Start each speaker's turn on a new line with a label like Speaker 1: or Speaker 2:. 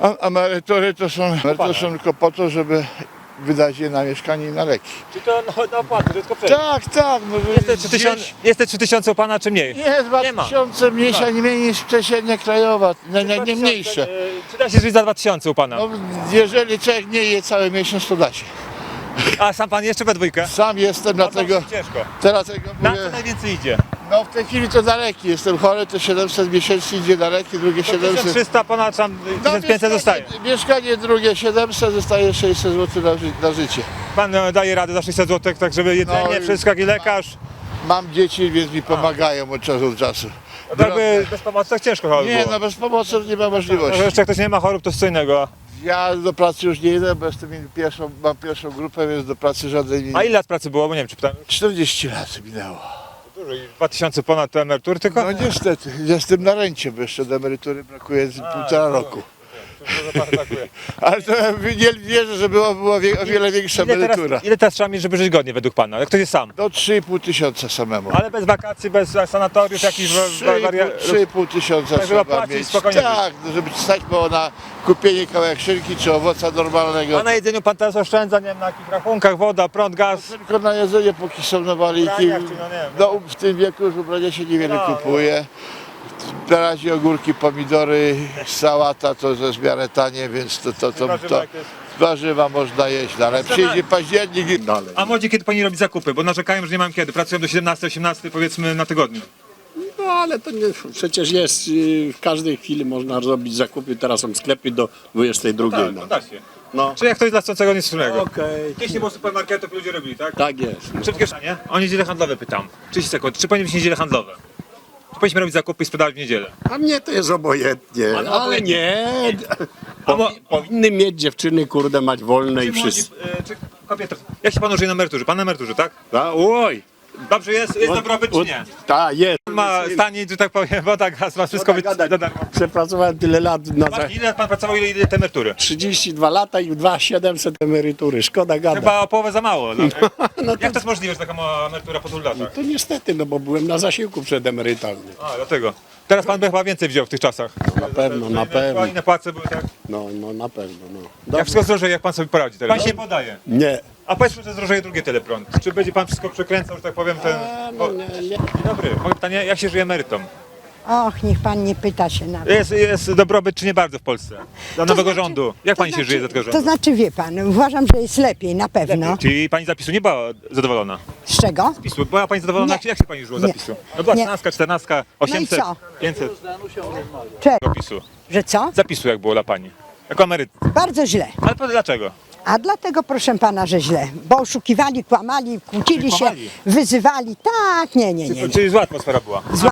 Speaker 1: A emerytury to są tylko po to, żeby wydać je na mieszkanie i na leki.
Speaker 2: Czy to na opłaty, że tylko przejść?
Speaker 1: Tak. No,
Speaker 2: Jest te 3000 u pana, czy mniej?
Speaker 1: Nie, 2000 mniejsza, nie mniej niż przeciętnie krajowa, nie mniejsze.
Speaker 2: Czy da się żyć za 2000 u pana?
Speaker 1: No, jeżeli człowiek nie je cały miesiąc, to da się.
Speaker 2: A sam pan jeszcze we dwójkę?
Speaker 1: Sam jestem, dlatego
Speaker 2: Ciężko.
Speaker 1: teraz
Speaker 2: Na
Speaker 1: mówię,
Speaker 2: co najwięcej idzie?
Speaker 1: no w tej chwili to daleki, jestem chory, to 700 miesięcznie idzie daleki, drugie 700.
Speaker 2: 1300, ponad tam 1500 zostaje.
Speaker 1: Mieszkanie drugie 700, zostaje 600 zł na życie.
Speaker 2: Pan daje radę za 600 zł, tak żeby jedzenie,
Speaker 1: No,
Speaker 2: wszystko, jak i lekarz.
Speaker 1: Mam dzieci, więc mi pomagają od czasu do czasu.
Speaker 2: Jakby bez pomocy tak ciężko chyba by
Speaker 1: Nie,
Speaker 2: było.
Speaker 1: no bez pomocy nie ma możliwości.
Speaker 2: Może jeszcze jak ktoś nie ma chorób, to co innego.
Speaker 1: Ja do pracy już nie idę, bo mam pierwszą grupę, więc do pracy żadnej nie.
Speaker 2: A ile lat pracy było? Bo nie wiem, czy pytałem.
Speaker 1: 40 lat minęło.
Speaker 2: Dużo i 2000 ponad to emerytury tylko?
Speaker 1: No niestety, jestem na rencie, bo jeszcze do emerytury brakuje półtora roku. Ale to ja nie wierzę, że była o wiele większa emerytura.
Speaker 2: Ile teraz trzeba mieć, żeby żyć godnie według pana? Jak ktoś jest sam?
Speaker 1: Do 3,5 tysiąca samemu.
Speaker 2: Ale bez wakacji, bez sanatoriów, jakichś
Speaker 1: 3,5 tysiąca
Speaker 2: Tak, żeby
Speaker 1: trzeba
Speaker 2: płacić
Speaker 1: mieć.
Speaker 2: spokojnie
Speaker 1: Tak, żeby stać było na kupienie kawałek szynki czy owoca normalnego.
Speaker 2: A na jedzeniu pan teraz oszczędza, nie wiem, na jakich rachunkach, woda, prąd, gaz.
Speaker 1: Tylko na jedzenie, póki są nawaliki.
Speaker 2: Ubraniach, czy no nie wiem.
Speaker 1: No, w tym wieku już ubrania się niewiele
Speaker 2: No,
Speaker 1: kupuje. Na razie ogórki, pomidory, sałata to jest w miarę tanie, więc warzywa można jeść, no, ale przyjdzie październik i dalej.
Speaker 2: A młodzi kiedy pani robi zakupy? Bo narzekają, że nie mają kiedy. Pracują do 17-18 powiedzmy na tygodniu.
Speaker 3: No ale to nie, przecież jest, w każdej chwili można zrobić zakupy, teraz są sklepy do 22.
Speaker 2: Tak,
Speaker 3: no.
Speaker 2: no da się.
Speaker 3: No.
Speaker 2: Czy jak ktoś dla chcącego nic wspólnego?
Speaker 3: Okej.
Speaker 2: Jeśli nie było supermarketów, ludzie robili, tak?
Speaker 3: Tak jest.
Speaker 2: Czy w kieszenie? O niedziele handlowe pytam. 30 sekund. Czy powinny być niedziele handlowe? Czy powinniśmy robić zakupy i sprzedawać w niedzielę?
Speaker 3: A mnie to jest obojętnie,
Speaker 2: Ale
Speaker 3: ale
Speaker 2: obojętnie.
Speaker 3: nie.
Speaker 2: A mo-
Speaker 3: Powinny mieć dziewczyny, kurde, mać wolne i
Speaker 2: Czy młodzi,
Speaker 3: wszystko.
Speaker 2: czy kobiety? Jak się pan żyje na emeryturze? Pan na emeryturze, tak?
Speaker 3: Oj.
Speaker 2: Dobrze jest? Jest dobrobyt czy nie?
Speaker 3: Tak, jest.
Speaker 2: Ma stanie, że tak powiem, woda, gaz, ma wszystko być
Speaker 3: Gadać.
Speaker 2: za darmo.
Speaker 3: Przepracowałem tyle lat na
Speaker 2: Ile lat pan pracował, ile te emerytury?
Speaker 3: 32 lata i 2700 emerytury, szkoda gadać.
Speaker 2: Chyba o połowę za mało. No.
Speaker 3: No to,
Speaker 2: Jak to jest możliwe, że taka mała emerytura po tylu latach?
Speaker 3: to niestety, no bo byłem na zasiłku przedemerytalnym.
Speaker 2: A, dlatego. Teraz pan by chyba więcej wziął w tych czasach.
Speaker 3: Na pewno, na pewno.
Speaker 2: Inne płace były, tak?
Speaker 3: No na pewno, no.
Speaker 2: Jak
Speaker 3: Dobrze.
Speaker 2: wszystko zdrożeje, jak pan sobie poradzi teraz? Pan się nie podaje.
Speaker 3: Nie.
Speaker 2: A powiedzmy, że zdrożeje drugie tyle prąd. Czy będzie pan wszystko przekręcał, że tak powiem, ten...
Speaker 3: No, nie.
Speaker 2: Dzień dobry, moje pytanie, jak się żyje emerytom?
Speaker 4: Och, niech pan nie pyta się na to.
Speaker 2: Jest dobrobyt czy nie bardzo w Polsce? Dla nowego
Speaker 4: znaczy-
Speaker 2: rządu. Jak pani się żyje za tego
Speaker 4: To
Speaker 2: rządu?
Speaker 4: znaczy, wie pan, uważam, że jest lepiej, na pewno.
Speaker 2: Czyli pani zapisu nie była zadowolona?
Speaker 4: Z czego?
Speaker 2: PiSu. Była pani zadowolona?
Speaker 4: Nie.
Speaker 2: Jak się pani żyło
Speaker 4: Nie.
Speaker 2: zapisu? No była
Speaker 4: Nie.
Speaker 2: 13, 14, 800,
Speaker 4: co?
Speaker 2: 500
Speaker 4: Czego?
Speaker 2: PiSu.
Speaker 4: Że co?
Speaker 2: Zapisu jak było dla pani? Jako emeryt.
Speaker 4: Bardzo źle.
Speaker 2: Ale dlaczego?
Speaker 4: A dlatego, proszę pana, że źle. Bo oszukiwali, kłamali, kłócili
Speaker 2: Czyli
Speaker 4: się,
Speaker 2: kłamali.
Speaker 4: wyzywali. Tak, nie.
Speaker 2: Czyli zła atmosfera była.